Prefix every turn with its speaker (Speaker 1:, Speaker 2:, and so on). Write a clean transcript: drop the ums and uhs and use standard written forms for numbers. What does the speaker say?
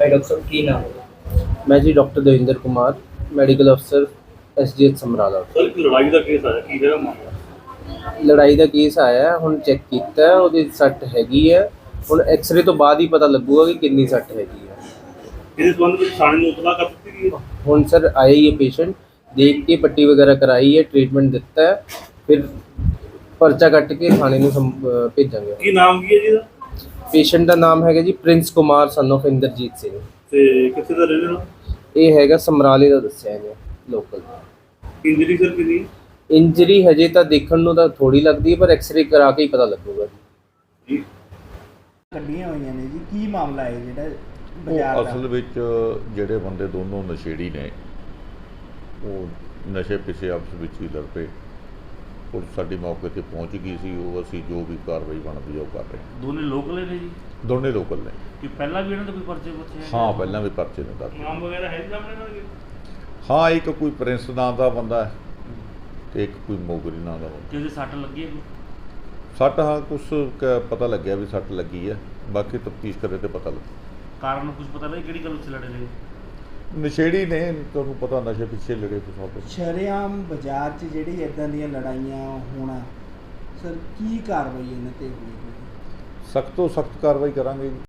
Speaker 1: Doctor ਸਾਹਿਬ ਕੀ ਨਾਮ ਹੈ?
Speaker 2: ਮੈਂ ਜੀ ਡਾਕਟਰ ਦਵਿੰਦਰ ਕੁਮਾਰ, ਮੈਡੀਕਲ ਅਫਸਰ SGH ਸਮਰਾਲਾ।
Speaker 3: ਸਰ ਇੱਕ ਲੜਾਈ ਦਾ ਕੇਸ ਆਇਆ, ਕੀ ਹੈਗਾ ਮਾਮਲਾ?
Speaker 2: ਲੜਾਈ ਦਾ ਕੇਸ ਆਇਆ, ਹੁਣ ਚੈੱਕ ਕੀਤਾ ਹੈ, ਉਹਦੀ ਸੱਟ ਹੈਗੀ ਹੈ। ਹੁਣ ਐਕਸ-ਰੇ ਤੋਂ ਬਾਅਦ ਹੀ ਪਤਾ ਲੱਗੂਗਾ ਕਿ ਕਿੰਨੀ ਸੱਟ ਹੈਗੀ ਹੈ।
Speaker 3: ਇਸ ਸੰਬੰਧ ਵਿੱਚ ਥਾਣੇ ਨੂੰ ਇਤਲਾਹ ਕਰ ਦਿੱਤੀ ਗਈ ਹੈ?
Speaker 2: ਹੁਣ ਸਰ ਆਇਆ ਹੀ ਹੈ ਪੇਸ਼ੈਂਟ, ਦੇਖ ਕੇ ਪੱਟੀ ਵਗੈरह कराई है, ट्रीटमेंट ਦਿੱਤਾ ਹੈ, ਫਿਰ ਪਰਚਾ ਕੱਟ ਕੇ ਥਾਣੇ ਨੂੰ ਭੇਜਾਂਗੇ।
Speaker 3: ਕੀ ਨਾਮ ਕੀ ਹੈ ਜੀ ਇਹਦਾ?
Speaker 2: ਪੇਸ਼ੈਂਟ ਦਾ ਨਾਮ ਹੈਗਾ ਜੀ Prince Kumar son of Inderjit Singh.
Speaker 3: ਤੇ ਕਿੱਥੇ ਦਾ ਰਹਿਣ ਵਾਲਾ?
Speaker 2: ਇਹ ਹੈਗਾ ਸਮਰਾਲੇ ਦਾ ਦੱਸਿਆ ਇਹਨੇ, ਲੋਕਲ।
Speaker 3: ਇੰਜਰੀ ਸਰ ਕਿੰਨੀ?
Speaker 2: ਇੰਜਰੀ ਹਜੇ ਤਾਂ ਦੇਖਣ ਨੂੰ ਤਾਂ ਥੋੜੀ ਲੱਗਦੀ ਹੈ, ਪਰ ਐਕਸ-ਰੇ ਕਰਾ ਕੇ ਹੀ ਪਤਾ ਲੱਗੂਗਾ
Speaker 3: ਜੀ।
Speaker 4: ਕੱਢੀਆਂ ਹੋਈਆਂ ਨੇ ਜੀ, ਕੀ ਮਾਮਲਾ ਹੈ ਜਿਹੜਾ
Speaker 5: ਉਹ
Speaker 4: ਬਾਜ਼ਾਰ ਦਾ?
Speaker 5: ਅਸਲ ਵਿੱਚ ਜਿਹੜੇ ਬੰਦੇ ਦੋਨੋਂ ਨਸ਼ੇੜੀ ਨੇ, ਉਹ ਨਸ਼ੇ ਪਿੱਛੇ ਆਪਸ ਵਿੱਚ ਹੀ ਲੜ ਪਏ। ਪੁਲਿਸ ਸਾਡੀ ਮੌਕੇ 'ਤੇ ਪਹੁੰਚ ਗਈ ਸੀ, ਉਹ ਅਸੀਂ ਜੋ ਵੀ ਕਾਰਵਾਈ ਬਣਦੀ ਆ ਉਹ ਕਰ ਰਹੇ ਹਾਂ।
Speaker 3: ਦੋਨੇ ਲੋਕਲ ਨੇ ਜੀ?
Speaker 5: ਦੋਨੇ ਲੋਕਲ ਨੇ।
Speaker 3: ਕਿ ਪਹਿਲਾਂ ਵੀ ਇਹਨਾਂ ਦੇ ਕੋਈ ਪਰਚੇ ਪੁੱਛੇ?
Speaker 5: ਹਾਂ, ਪਹਿਲਾਂ ਵੀ ਪਰਚੇ ਨੇ ਦਰਜ।
Speaker 3: ਨਾਮ ਵਗੈਰਾ ਹੈ ਜੀ ਸਾਹਮਣੇ ਇਹਨਾਂ ਦੇ?
Speaker 5: ਹਾਂ, ਇੱਕ ਕੋਈ ਪ੍ਰਿੰਸ ਨਾਂ ਦਾ ਬੰਦਾ ਹੈ ਤੇ ਇੱਕ ਕੋਈ ਮੋਗਰੀ ਨਾਂ ਦਾ ਬੰਦਾ।
Speaker 3: ਜਿਹਦੇ ਸੱਟ ਲੱਗੀ ਹੈ?
Speaker 5: ਸੱਟ, ਹਾਂ, ਕੁਛ ਪਤਾ ਲੱਗਿਆ ਵੀ ਸੱਟ ਲੱਗੀ ਹੈ, ਬਾਕੀ ਤਫਤੀਸ਼ ਕਰੇ ਤੇ ਪਤਾ ਲੱਗੂ।
Speaker 3: ਕਾਰਨ ਕੁਝ ਪਤਾ ਨਹੀਂ ਕਿਹੜੀ ਗੱਲ ਉੱਥੇ ਲੜੇ ਨੇ?
Speaker 5: ਨਸ਼ੇੜੀ ਨੇ, ਤੁਹਾਨੂੰ ਪਤਾ, ਨਸ਼ੇ ਪਿੱਛੇ ਲੜੇ ਕੁਛ।
Speaker 4: ਸ਼ਰੇਆਮ ਬਾਜ਼ਾਰ 'ਚ ਜਿਹੜੀ ਇਦਾਂ ਦੀਆਂ ਲੜਾਈਆਂ ਹੋਣਾ, ਸਰ ਕੀ ਕਾਰਵਾਈ ਇਹਨਾਂ ਤੇ ਹੋਏਗੀ?
Speaker 5: ਸਖਤ ਤੋਂ ਸਖਤ ਕਾਰਵਾਈ ਕਰਾਂਗੇ ਜੀ।